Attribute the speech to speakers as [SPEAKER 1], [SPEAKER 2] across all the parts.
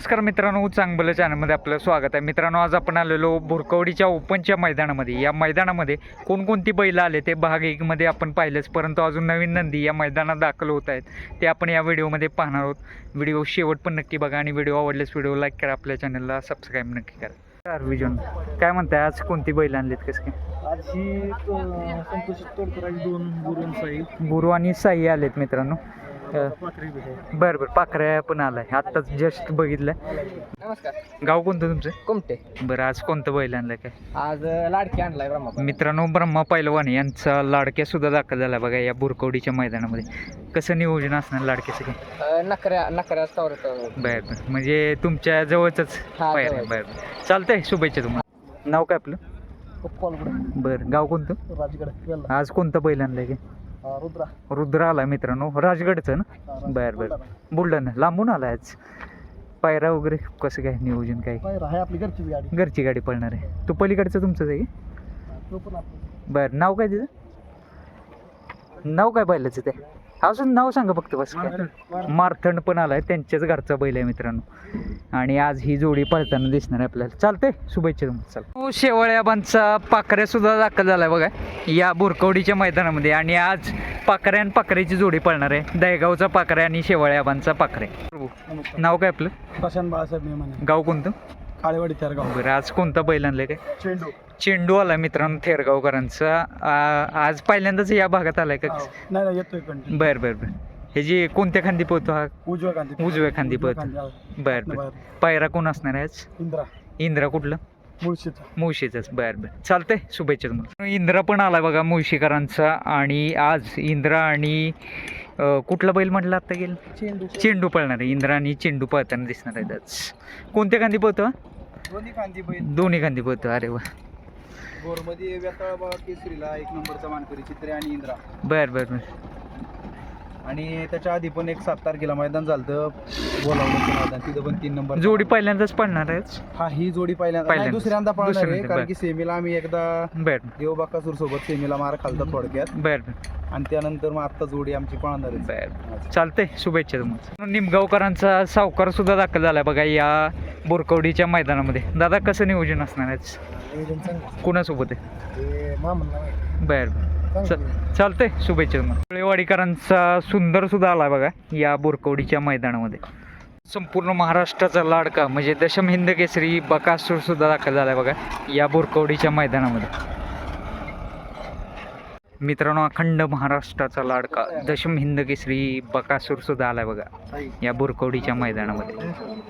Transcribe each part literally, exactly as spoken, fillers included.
[SPEAKER 1] नमस्कार मित्रांनो, चांगलं चॅनलमध्ये आपलं स्वागत आहे. मित्रांनो, आज आपण आलेलो भुरकवडीच्या ओपनच्या मैदानामध्ये. या मैदानामध्ये कोणकोणती बैलं आले ते भाग एकमध्ये आपण पाहिलेच, परंतु अजून नवीन नंदी या मैदानात दाखल होत आहेत ते आपण या व्हिडिओमध्ये पाहणार आहोत. व्हिडिओ शेवट पण नक्की बघा आणि व्हिडिओ आवडल्यास व्हिडिओ लाईक करा, आपल्या चॅनलला सबस्क्राईब नक्की करा. विजन काय म्हणताय, आज कोणती बैलं आणलीत? कसं काय?
[SPEAKER 2] आज ही संतोष तोडकरांची दोन गुरु साई
[SPEAKER 1] गुरु आणि साई आलेत मित्रांनो. बरं बरं, पाखऱ्या पण आलाय, आत्ताच जस्ट बघितलं.
[SPEAKER 2] नमस्कार.
[SPEAKER 1] गाव कोणतं तुमचं?
[SPEAKER 2] कोमटे.
[SPEAKER 1] बरं, आज कोणतं बैल आणलं काय?
[SPEAKER 2] आज लाडकी आणलाय ब्रह्मा.
[SPEAKER 1] मित्रांनो, ब्रह्मा पैलवान यांचा लाडक्या सुद्धा दाखल झाला बघा या बुरकवडीच्या मैदानामध्ये. कसं नियोजन असणार लाडक्याचं काय?
[SPEAKER 2] नकऱ्या नकऱ्या
[SPEAKER 1] बरं बरं, म्हणजे तुमच्या जवळच पायर आहे. बरं बरं, चालतंय, शुभेच्छा तुम्हाला. नाव काय आपलं? बरं, गाव कोणतं?
[SPEAKER 2] राजगड.
[SPEAKER 1] आज कोणतं बैल आणलंय काय?
[SPEAKER 2] रुद्रा.
[SPEAKER 1] रुद्रा आला मित्रांनो, राजगडचं ना? बरं बरं, बुलढाणा लांबून आला आज. पायरा वगैरे कसं काय नियोजन काय?
[SPEAKER 2] आहे आपली घरची गाडी.
[SPEAKER 1] घरची गाडी पळणार आहे. तू पलीकडचं तुमचंच आहे?
[SPEAKER 2] तो पण आपला.
[SPEAKER 1] बरं, नाव काय तिचं? नाव काय बैलाचं ते? अजून नाव सांगा फक्त बस. काय मारथंड पण आलाय, त्यांच्याच घरचा बैल आहे मित्रांनो. आणि आज ही जोडी पळताना दिसणार आहे आपल्याला. चालतंय, शुभेच्छा तुम्हाला. चला, शेवळ्याबांचा पाखऱ्या सुद्धा दाखल झालाय बघा या बुरकवडीच्या मैदानामध्ये. आणि आज पाखऱ्या आणि पाखऱ्याची जोडी पळणार आहे. दहेगावचा पाखऱ्या आणि शेवळ्याबांचा पाखरे. नाव काय आपलं?
[SPEAKER 2] प्रशांत बाळासाहेब मेमाने.
[SPEAKER 1] गाव कोणतं?
[SPEAKER 2] काळेवाडी थेरगाव.
[SPEAKER 1] बरं, आज कोणता बैल आणलाय काय?
[SPEAKER 2] चेंडू.
[SPEAKER 1] चेंडू आला मित्रांनो थेरगावकरांचा. आज पहिल्यांदाच या भागात आलाय का?
[SPEAKER 2] नाही नाही, येतोय कंटिन्यू.
[SPEAKER 1] बरं बरं बरं, हे जी कोणत्या खांदी पोहतो हा?
[SPEAKER 2] उजव्या खांदी.
[SPEAKER 1] उजव्या खांदी पोहतो. बरं बरं, पायरा कोण असणार आहे आज?
[SPEAKER 2] इंद्रा.
[SPEAKER 1] इंद्रा कुठलं?
[SPEAKER 2] मुळशीचा.
[SPEAKER 1] मुळशीचाच. बरं बरं, चालतंय, शुभेच्छा तुम्हाला. इंद्रा पण आला बघा मुळशीकरांचा. आणि आज इंद्रा आणि कुठला बैल म्हटलं आता गेलं?
[SPEAKER 2] चेंडू.
[SPEAKER 1] चेंडू पळणार आहे. इंद्रा आणि चेंडू पळताना दिसणार आहेत आज. कोणत्या खांदी पोहतो?
[SPEAKER 2] दोन्ही खांदी बैल.
[SPEAKER 1] दोन्ही खांदी पोहतो. अरे वा.
[SPEAKER 2] गोरमध्ये व्यताळबा केसरीला एक नंबरचा मानकरी चित्रे आणि इंद्रा.
[SPEAKER 1] बरं बरं बरं.
[SPEAKER 2] आणि त्याच्या आधी पण एक सात तारखेला मैदान झालं बोलावलं मैदान, तिथं पण तीन नंबर
[SPEAKER 1] जोडी पहिल्यांदाच पडणार आहे.
[SPEAKER 2] हा, ही जोडी पहिल्यांदा
[SPEAKER 1] पहिल्यांदा.
[SPEAKER 2] दुसऱ्यांदा पळणार आहे,
[SPEAKER 1] दुसऱ्यांदा.
[SPEAKER 2] कारण की सेमीला आम्ही एकदा
[SPEAKER 1] बरं
[SPEAKER 2] देवबाकासूर सोबत सेमीला मार खालता थोडक्यात.
[SPEAKER 1] बरं बरं
[SPEAKER 2] आणि त्यानंतर मग आता जोडी आमची पळणार आहे.
[SPEAKER 1] बरं, चालतंय, शुभेच्छा तुम्हाला. निमगावकरांचा सावकार सुद्धा दाखल झालाय बघा या बोरकवडीच्या मैदानामध्ये. दादा, कसं नियोजन असणार आहे? कुणासोबत आहे? बरं बरं, चालतंय, शुभेच्छा तुम्हाला. कोळेवाडीकरांचा सुंदर सुद्धा आला बघा या बोरकवडीच्या मैदानामध्ये. संपूर्ण महाराष्ट्राचा लाडका म्हणजे दशम हिंद केसरी बकासूर सुद्धा दाखल झालाय बघा या बोरकवडीच्या मैदानामध्ये. मित्रांनो, अखंड महाराष्ट्राचा लाडका दशम हिंद केसरी बकासूर सुद्धा आलाय बघा या बोरकवडीच्या मैदानामध्ये.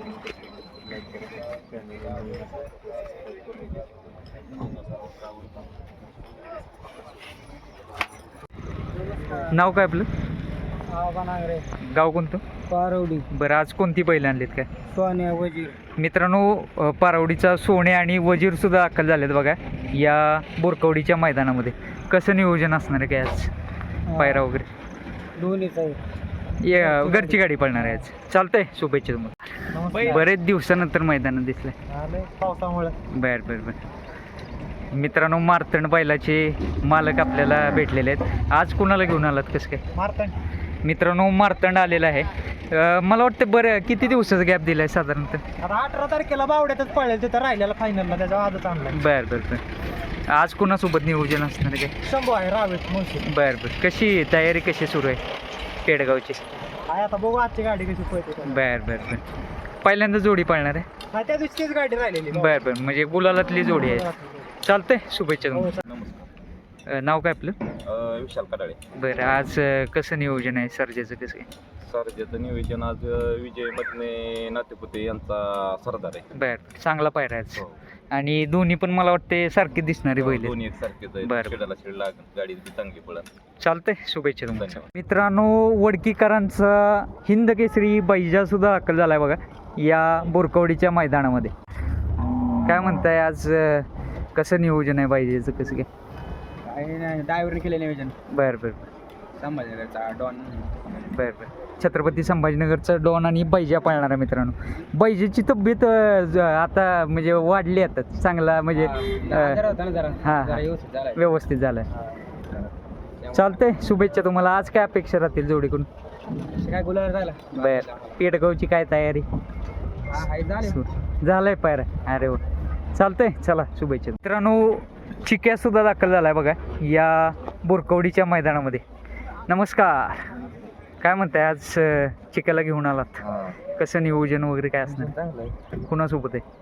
[SPEAKER 1] नाव काय आपलं? गाव कोणतं?
[SPEAKER 2] पारवडी.
[SPEAKER 1] बरं, आज कोणती बैल आणलीत काय?
[SPEAKER 2] सोन्या वजीर.
[SPEAKER 1] मित्रांनो, पारवडीचा सोने आणि वजीर सुद्धा दाखल झालेत बघा या बोरकवडीच्या मैदानामध्ये. कसं नियोजन असणार आहे काय आज? पायरा वगैरे
[SPEAKER 2] दोन्ही
[SPEAKER 1] घरची गाडी पळणार आहे आज. चालतंय, शुभेच्छा तुम्हाला. बरेच दिवसानंतर मैदानात दिसलंय.
[SPEAKER 2] पावसामुळे.
[SPEAKER 1] बरं बरं बरं. मित्रांनो, मारतंड बैलाचे मालक आपल्याला भेटलेले आहेत. आज कुणाला घेऊन आलात? कसं काय?
[SPEAKER 2] मारतंड.
[SPEAKER 1] मित्रांनो, मारतंड आलेला आहे. मला वाटतं बरं किती दिवसाचा गॅप दिलाय साधारणतः?
[SPEAKER 2] आता अठरा तारखेला बावड्यातच पळेल तिथं राहिलेला फायनलला, त्याच्या आजच आणलाय.
[SPEAKER 1] बरं बरं बरं. आज कुणासोबत नियोजन असणार काय?
[SPEAKER 2] शंभू आहे रावेत मुळशी.
[SPEAKER 1] बरं बरं, कशी तयारी कशी सुरू आहे पेडगावची?
[SPEAKER 2] आहे, आता बघू आजची गाडी कशी पळते.
[SPEAKER 1] बरं बरं बरं, पहिल्यांदा जोडी पळणार आहे?
[SPEAKER 2] हा, त्या दिवशीच गाडी राहिलेली.
[SPEAKER 1] बरं बरं, म्हणजे गुलालातली जोडी आहे. चालतंय, शुभेच्छा तुम्हाला. नाव काय आपलं?
[SPEAKER 3] विशाल कडाळे.
[SPEAKER 1] बरं, आज कसं नियोजन आहे सर्जेचं? कसं काय
[SPEAKER 3] सरजेचं नियोजन? आज विजय मधने नातेपुते यांचा सरदार आहे.
[SPEAKER 1] बरं, चांगला पायरा आहे आज. आणि दोन्ही पण मला वाटते सारखे दिसणारे बैल.
[SPEAKER 3] दोन्ही एक सारखेच आहे.
[SPEAKER 1] बरं.
[SPEAKER 3] शेडाला शेड लागत, गाडी चांगली पळत.
[SPEAKER 1] चालतंय, शुभेच्छा तुम्हाला. मित्रांनो, वडकीकरांचा हिंद केसरी बैजा सुद्धा दाखल झालाय बघा या बोरकवडीच्या मैदानामध्ये. काय म्हणताय आज, कसं नियोजन आहे बैजेचं? कसं काय?
[SPEAKER 2] काही नाही, ड्रायव्हरने केलं नियोजन.
[SPEAKER 1] बरं बरं
[SPEAKER 2] संभाजीनगरचा डॉन.
[SPEAKER 1] बरं बरं, छत्रपती संभाजीनगरचा डॉन आणि बैजा पाळणार आहे मित्रांनो. बैजेची तब्येत आता म्हणजे वाढली आता, चांगला म्हणजे हां व्यवस्थित झालाय. चालतंय, शुभेच्छा तुम्हाला. आज काय अपेक्षा राहतील जोडीकडून?
[SPEAKER 2] काय गुलाल झाला?
[SPEAKER 1] बरं, पेडगावची काय तयारी? सु- झालंय पायरा अरे वा चालतंय चला शुभेच्छा मित्रांनो. चिक्या सुद्धा दाखल झालाय बघा या बोरकवडीच्या मैदानामध्ये. नमस्कार, काय म्हणताय आज अं, चिक्याला घेऊन आलात? कसं नियोजन वगैरे काय असणार? कुणासोबत आहे?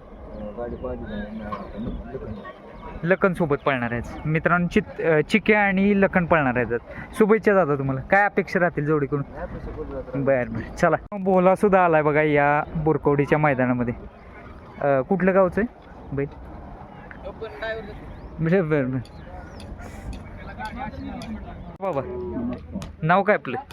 [SPEAKER 1] लखन सोबत पळणार आहेत मित्रांनो. चित अं, चिक्या आणि लखन पळणार आहेत. शुभेच्छा दादा तुम्हाला. काय अपेक्षा राहतील जोडीकडून? बरं बरं चला. बोला सुद्धा आलाय बघा या बोरकवडीच्या मैदानामध्ये. अं, कुठलं गावचं आहे बैल? बरं बरं बरं बाबा नाव काय आपलं?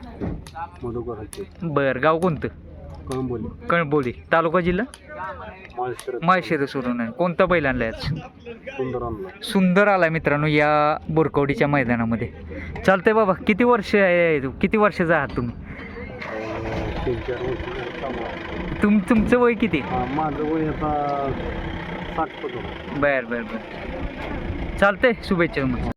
[SPEAKER 1] बरं गाव कोणतं? कळंबोली तालुका जिल्हा माळशिरस वरून आहे. कोणता बैल आणलाय आज? सुंदर आलाय मित्रांनो या बोरकवडीच्या मैदानामध्ये. चालतंय बाबा. किती वर्ष आहे किती वर्षाचा आहात तुम्ही? तुम तुमचं वय किती?
[SPEAKER 2] माझं वय आता साठ.
[SPEAKER 1] बर बर बर चालतंय शुभेच्छा तुम्हाला.